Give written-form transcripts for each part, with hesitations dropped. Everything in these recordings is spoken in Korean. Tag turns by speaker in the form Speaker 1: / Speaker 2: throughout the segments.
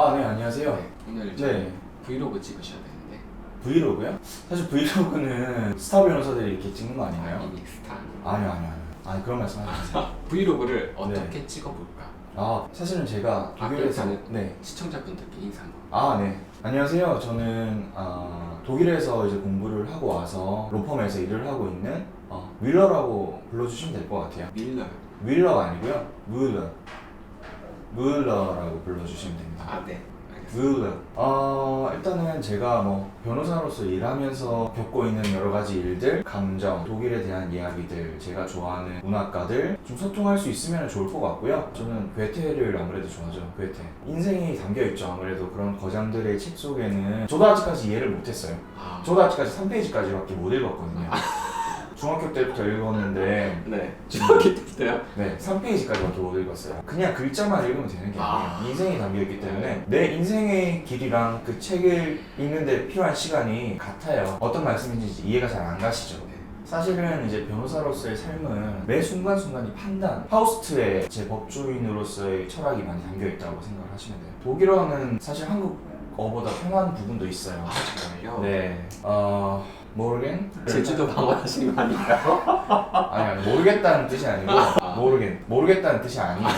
Speaker 1: 아, 네, 안녕하세요.
Speaker 2: 네, 오늘
Speaker 1: 네.
Speaker 2: 브이로그 찍으셔야 되는데.
Speaker 1: 브이로그요? 사실 브이로그는 스타 변호사들이 이렇게 찍는 거 아닌가요?
Speaker 2: 이미 스타.
Speaker 1: 아니요. 아니, 그런 말씀 하지 마세요.
Speaker 2: 브이로그를 어떻게 찍어볼까?
Speaker 1: 아, 사실은 제가 독일에서
Speaker 2: 그렇다면
Speaker 1: 네.
Speaker 2: 시청자분들께 인사 한번.
Speaker 1: 아, 네. 안녕하세요. 저는 독일에서 이제 공부를 하고 와서 로펌에서 일을 하고 있는 윌러라고 불러주시면 될 것 같아요.
Speaker 2: 밀러요.
Speaker 1: 윌러가 아니고요. 물러라고 불러주시면 됩니다.
Speaker 2: 아, 네. 알겠습니다.
Speaker 1: 물러. 일단은 제가 뭐 변호사로서 일하면서 겪고 있는 여러 가지 일들, 감정, 독일에 대한 이야기들, 제가 좋아하는 문학가들 좀 소통할 수 있으면 좋을 것 같고요. 저는 괴테를 아무래도 좋아하죠. 괴테. 인생이 담겨있죠. 아무래도 그런 거장들의 책 속에는 저도 아직까지 이해를 못했어요. 저도 아직까지 3페이지까지밖에 못 읽었거든요. 중학교 때부터 읽었는데
Speaker 2: 네. 중학교 때부터요?
Speaker 1: 네, 3페이지까지밖에 못 읽었어요. 그냥 글자만 읽으면 되는 게 아니에요. 인생이 담겨있기 때문에 내 인생의 길이랑 그 책을 읽는데 필요한 시간이 같아요. 어떤 말씀인지 이해가 잘 안 가시죠? 사실은 이제 변호사로서의 삶은 매 순간순간이 판단, 파우스트의 제 법조인으로서의 철학이 많이 담겨있다고 생각을 하시면 돼요. 독일어는 사실 한국어보다 편한 부분도 있어요.
Speaker 2: 아, 정말요?
Speaker 1: 네, 모르겐?
Speaker 2: 제주도 방문하시는 거 아닌가요?
Speaker 1: 아니 모르겠다는 뜻이 아니고 모르겠다는 뜻이 아니에요.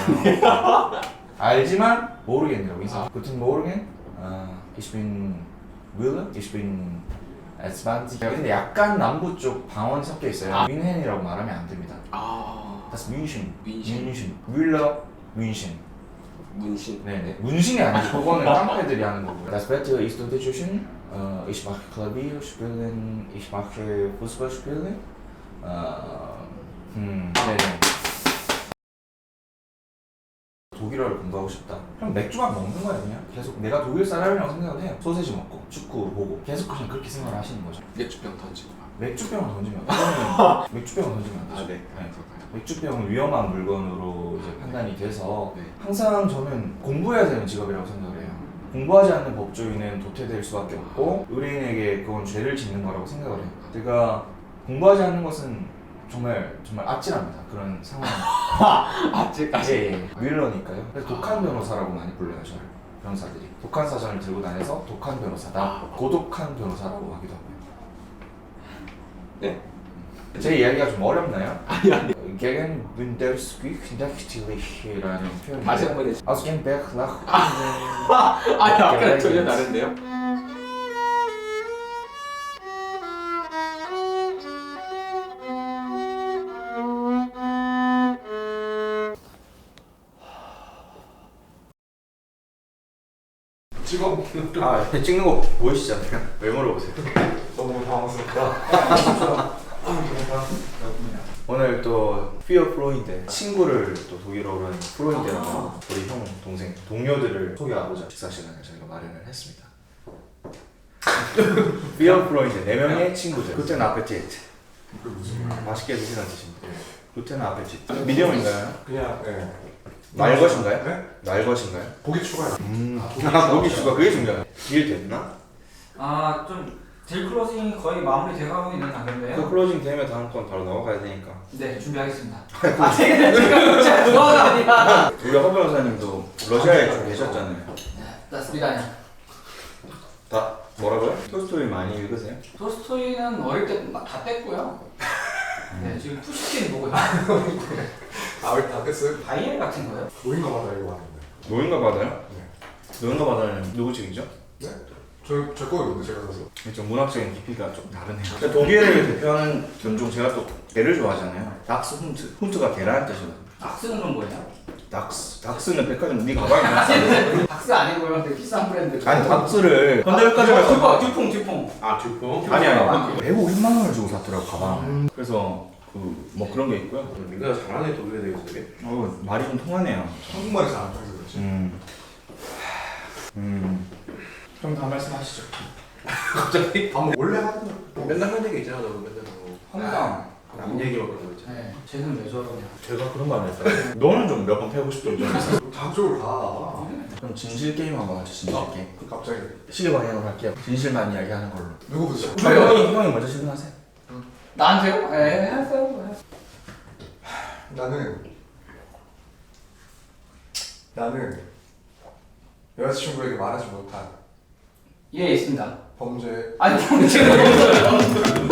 Speaker 1: 알지만 모르겠냐고 인사. Guten Morgen. Ich bin Wille. Ich bin 20. 근데 약간 남부 쪽 방언이 섞여 있어요. 뮌헨이라고 말하면 안 됩니다. Das München. Wille München.
Speaker 2: 문신.
Speaker 1: 네. 문신이 아니고 그거는 깡패들이 하는 거고요. Das Wetter ist unterschiedlich. Ich mache Klavier spielen, ich mache Fußball spielen. 네네. 독일어를 공부하고 싶다. 그럼 맥주만 먹는 거야 그냥. 계속 내가 독일 사람이라고 생각을 해요. 소세지 먹고 축구 보고 계속 그냥 그렇게 생각을 하시는 거죠.
Speaker 2: 맥주병 던지고 막.
Speaker 1: 맥주병을 던지면 그거는 맥주병을 던지면 안 되죠.
Speaker 2: 네. 그럴까요?
Speaker 1: 맥주병은 위험한 물건으로 이제 판단이 돼서
Speaker 2: 네.
Speaker 1: 항상 저는 공부해야 되는 직업이라고 생각을 해요. 공부하지 않는 법조인은 도태될 수밖에 없고 의뢰인에게 그건 죄를 짓는 거라고 생각을 해요. 제가 공부하지 않는 것은 정말 아찔합니다. 그런 상황.
Speaker 2: 아직까지.
Speaker 1: 예. 윌러니까요. 그래서 독한 변호사라고 많이 불러요, 저를. 변호사들이. 독한 사전을 들고 다녀서 독한 변호사다. 고독한 변호사라고 하기도 하고요.
Speaker 2: 네.
Speaker 1: 제 이야기가 좀 어렵나요?
Speaker 2: 아니.
Speaker 1: Gegen Wunderstück이라는 표현이
Speaker 2: 다시 한번 해주세요.
Speaker 1: Aus dem Berg nach
Speaker 2: 아니, 아까랑 전혀 다른데요?
Speaker 1: 찍어먹는 찍는 거 보이시죠? 왜 물어보세요?
Speaker 3: 너무 당황스럽다.
Speaker 1: 오늘 또 피어 프로인데 친구를 또 독일어로는 프로인데라고 우리 형, 동생, 동료들을 소개하고자 식사 시간을 저희가 마련을 했습니다. 피어 프로인데 4명의 친구들. 구텐 아페티트.
Speaker 3: 그 무슨 말?
Speaker 1: 맛있게 드시라는 뜻입니다. 구텐 아페티트. 미디엄인가요?
Speaker 3: 그냥
Speaker 1: 날 것인가요?
Speaker 3: 네?
Speaker 1: 날 것인가요?
Speaker 3: 고기 추가요.
Speaker 1: 고기 추가 그게 중요해요. 딜 됐나?
Speaker 4: 좀 딜 클로징이 거의 마무리 돼가고 있는 단계인데요.
Speaker 1: 그 클로징 되면 다음 건 바로 넘어가야 되니까.
Speaker 4: 네, 준비하겠습니다. 제가 좋아가 아니라.
Speaker 1: 우리 허 변호사님도 러시아에 좀 계셨잖아요.
Speaker 4: 맞습니다.
Speaker 1: 다 뭐라고요? 토스토이 많이 읽으세요?
Speaker 4: 토스토이는 어릴 때 다 뺐고요. 네, 지금 푸시킨 보고요.
Speaker 3: 왜 다 뺐어요?
Speaker 4: 바이엘 같은 거요?
Speaker 3: 노인가마다 이거 하는데.
Speaker 1: 노인가 받아요?
Speaker 3: 네.
Speaker 1: 노인가 받아는 누구 책이죠?
Speaker 3: 네? 제 거였는데 제가 사서.
Speaker 1: 좀 문학적인 깊이가 좀 다르네요. 독일을 대표하는 견종 제가 또 개를 좋아하잖아요. 닥스 훈트. 훈트가 개라는 뜻이거든요.
Speaker 4: 박스는 좀 뭐예요?
Speaker 1: 닥스는 백화점 우리 가방에 넣었어요.
Speaker 4: 박스 아니고요. 되게 비싼 브랜드.
Speaker 1: 아니 닥스를 현대백화점에
Speaker 4: 듀퐁.
Speaker 3: 듀퐁?
Speaker 1: 아니 150만 원을 주고 샀더라고 가방. 그래서 그 그런 게 있고요.
Speaker 3: 민가가 잘하네 독일에 대해서 되게.
Speaker 1: 말이 좀 통하네요.
Speaker 3: 한국말이 잘안 통해서 그렇지.
Speaker 1: 좀 더 말씀하시죠.
Speaker 3: 갑자기? 원래 하던 거. 맨날 하는 얘기 있잖아 너 맨날
Speaker 1: 황당.
Speaker 3: 남 얘기만 그러는 거 있잖아.
Speaker 4: 네, 쟤는 왜 저러냐.
Speaker 1: 제가 그런 말 했어요. 너는 좀 몇 번 패고 싶던 점 있어?
Speaker 3: 다음 쪽으로 가.
Speaker 1: 그럼 진실 게임 한번 하죠. 진실 게임.
Speaker 3: 갑자기.
Speaker 1: 시계 방향으로 할게요. 진실만 이야기하는 걸로.
Speaker 3: 누구부터?
Speaker 1: 형이 먼저 질문하세요.
Speaker 4: 나한테요? 네, 하세요.
Speaker 3: 나는 여자친구에게 말하지 못한
Speaker 4: 예, 있습니다.
Speaker 3: 범죄.
Speaker 4: 아니, 제가